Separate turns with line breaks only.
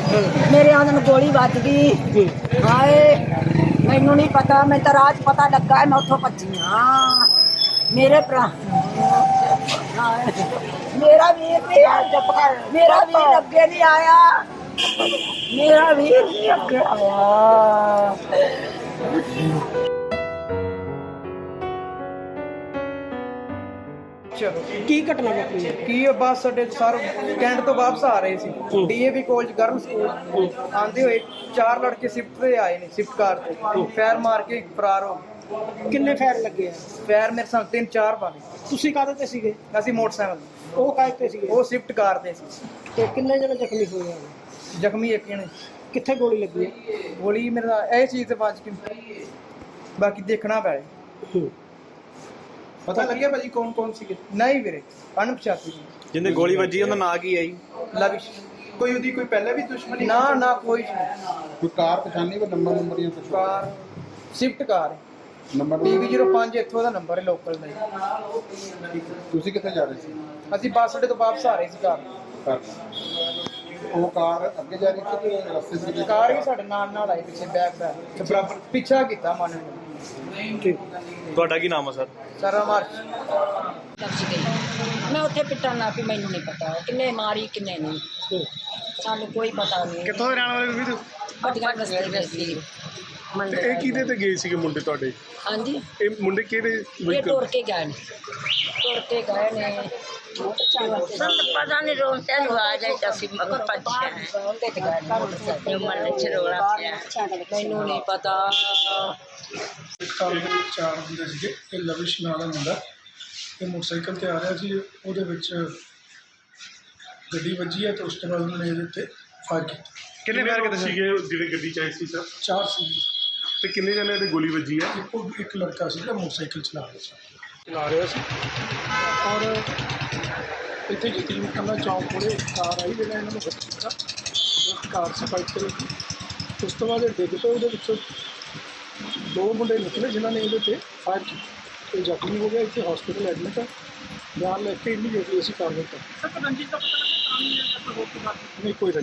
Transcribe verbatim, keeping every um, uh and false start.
मेरे आंदन गोली बज गई। हाय मैनू नहीं पता, मैं तो रात पता लगा है, मैं उठो भजी हाँ। मेरे भरा मेरा वीर नहीं मेरा वीर अगे नहीं आया, मेरा वीर नहीं अगे आया।
ਕੀ ਘਟਨਾ ਵਾਪਰੀ ਹੈ?
ਕੀ ਬੱਸ ਅੱਡੇ ਸਰ ਕੈਂਟ ਤੋਂ ਵਾਪਸ ਆ ਰਹੇ ਸੀ, ਡੀਏਵੀ ਕਾਲਜ ਗਰਲ ਸਕੂਲ ਆਂਦੇ ਹੋਏ ਚਾਰ ਲੜਕੇ ਸਿਫਟ ਤੇ ਆਏ ਨੇ, ਸਿਫਟ ਕਾਰ ਤੇ ਫੈਰ ਮਾਰ ਕੇ ਫਰਾਰ ਹੋ ਗਏ।
ਕਿੰਨੇ ਫਾਇਰ ਲੱਗੇ ਆ?
ਫੈਰ ਮੇਰੇ ਸਾਹਮਣੇ ਤਿੰਨ ਚਾਰ ਪਾਣੇ।
ਤੁਸੀਂ ਕਾਹਦੇ ਤੇ ਸੀਗੇ?
ਅਸੀਂ ਮੋਟਰਸਾਈਕਲ,
ਉਹ ਕਾਹਦੇ ਤੇ ਸੀਗੇ?
ਉਹ ਸਿਫਟ ਕਾਰ ਤੇ ਸੀ।
ਤੇ ਕਿੰਨੇ ਜਣੇ ਜ਼ਖਮੀ ਹੋਏ ਆ?
ਜ਼ਖਮੀ ਇੱਕ ਜਣੇ।
ਕਿੱਥੇ ਗੋਲੀ ਲੱਗੀ ਹੈ?
ਗੋਲੀ ਮੇਰਾ ਇਹ ਚੀਜ਼ ਤੇ ਵੱਜ ਕੇ ਬਾਕੀ ਦੇਖਣਾ ਪੈ।
ਪਤਾ ਲੱਗਿਆ ਭਾਜੀ ਕੌਣ ਕੌਣ ਸੀਗੇ?
ਨਹੀਂ ਵੀਰੇ ਅਣਪਛਾਤੀ ਸੀ।
ਜਿੰਨੇ ਗੋਲੀ ਵੱਜੀ ਉਹਦਾ ਨਾਂ ਕੀ ਹੈ ਜੀ?
ਲਵਿਸ਼।
ਕੋਈ ਉਹਦੀ ਕੋਈ ਪਹਿਲਾਂ ਵੀ ਦੁਸ਼ਮਣੀ?
ਨਾ ਨਾ ਕੋਈ ਨਹੀਂ।
ਕੋਈ ਕਾਰ ਪਛਾਣੀ, ਕੋਈ ਨੰਬਰ ਨੰਬਰ ਜਾਂ ਕੁਝ?
Car Swift car
number
P B zero ਪੰਜ ਇੱਥੋਂ ਦਾ ਨੰਬਰ ਹੈ, ਲੋਕਲ ਦਾ।
ਤੁਸੀਂ ਕਿੱਥੇ ਜਾ ਰਹੇ ਸੀ?
ਅਸੀਂ ਬੱਸ ਅੱਡੇ ਤੋਂ ਵਾਪਸ ਆ ਰਹੇ ਸੀ ਕਾਰ।
ਕਾਰ ਉਹ ਕਾਰ ਅੱਗੇ ਜਾ ਰਹੀ ਸੀ ਕਿ ਰਸਤੇ ਸੀ?
ਕਾਰ ਵੀ ਸਾਡੇ ਨਾਲ ਨਾਲ ਆਈ ਪਿੱਛੇ ਬੈਕ ਬੈਕ ਤੇ ਬਰਾਬਰ ਪਿੱਛਾ ਕੀਤਾ ਮਨ ਨੇ।
ਤੁਹਾਡਾ ਕੀ ਨਾਮ ਹੈ ਸਰ?
ਸਾਰਾ ਮਾਰ
दस गई मैं उत्थे पिटन ना पी, मैनू नहीं पता किन्ने मारी किन्ने नहीं, सानू कोई पता नहीं।
ਕਿੱਥੋਂ ਦੇ ਰਹਿਣ ਵਾਲੇ ਵੀਰ?
भटिया बस्ती दे सी मंडे।
ਇਹ ਕਿਹਦੇ ਤੇ ਗਏ ਸੀਗੇ ਮੁੰਡੇ ਤੁਹਾਡੇ?
हाँ जी
ਇਹ ਮੁੰਡੇ ਕਿਹੜੇ
ये
vehicle-
टुर के गए ने, टुर के गए ने।
पता नहीं रोते आवाज आई तो ਅਸੀਂ ਮਗਰ ਭੱਜਿਆ
ਉਹਦੇ ਤੇ ਗਏ ਨੇ ਮੋਟਰਸਾਈਕਲ।
ਮੱਲੇ ਚ ਰੋਲਾ ਪਿਆ।
ਮੈਨੂੰ ਨਹੀਂ ਪਤਾ।
ਇੱਕ ਕਾਰ ਦੇ ਵਿੱਚ ਚਾਰ ਹੁੰਦੇ ਸੀਗੇ। ਇਹ ਲਵਿਸ਼ ਨਾਂ ਦਾ ਮੁੰਡਾ ਇਹ ਮੋਟਰਸਾਈਕਲ ਤੇ ਆ ਰਿਹਾ ਸੀ, ਉਹਦੇ ਵਿੱਚ ਗੱਡੀ ਵੱਜੀ ਹੈ ਤੇ ਉਸ ਤੋਂ ਬਾਅਦ ਉਹਨੇ ਇਹਦੇ ਉੱਤੇ ਫਾਇਰ ਕੀਤਾ।
ਕਿੰਨੇ ਫਾਇਰ ਕੀਤੇ
ਸੀਗੇ ਜਿਹੜੇ ਗੱਡੀ ਚ ਆਏ ਸੀ ਸਰ?
ਚਾਰ ਸੀ।
ਤੇ ਕਿੰਨੇ ਜਣੇ ਦੀ ਗੋਲੀ ਵੱਜੀ ਹੈ?
ਇੱਕੋ ਇੱਕ ਲੜਕਾ ਸੀ ਜਿਹੜਾ ਮੋਟਰਸਾਈਕਲ ਚਲਾ ਰਿਹਾ ਸੀ ਚਲਾ ਰਿਹਾ ਸੀ ਔਰ ਇੱਥੇ ਯਤੀਮ ਖਾਨਾ ਚੌਂਕ ਕੋਲੇ ਇੱਕ ਕਾਰ ਆਈ ਜਿਹੜਾ ਇਹਨਾਂ ਨੂੰ ਹਿੱਟ ਕੀਤਾ। ਉਹ ਕਾਰ ਸਪਾਈਕ ਤੇ ਲੱਗੀ। ਉਸ ਤੋਂ ਬਾਅਦ ਇਹ ਡਿੱਗ ਪਏ, ਉਹਦੇ ਵਿੱਚੋਂ ਦੋ ਮੁੰਡੇ ਨਿਕਲੇ ਜਿਨ੍ਹਾਂ ਨੇ ਇਹਦੇ 'ਤੇ ਫਾਇਰ ਕੀਤਾ ਤੇ ਜ਼ਖਮੀ ਹੋ ਗਿਆ। ਇੱਥੇ ਹਸਪੀਟਲ ਐਡਮਿਟ ਹੈ। ਬਿਆਨ ਲੈ ਕੇ ਇਮੀਡੀਏਟਲੀ ਅਸੀਂ ਕਰ ਦਿੱਤਾ। ਨਹੀਂ ਕੋਈ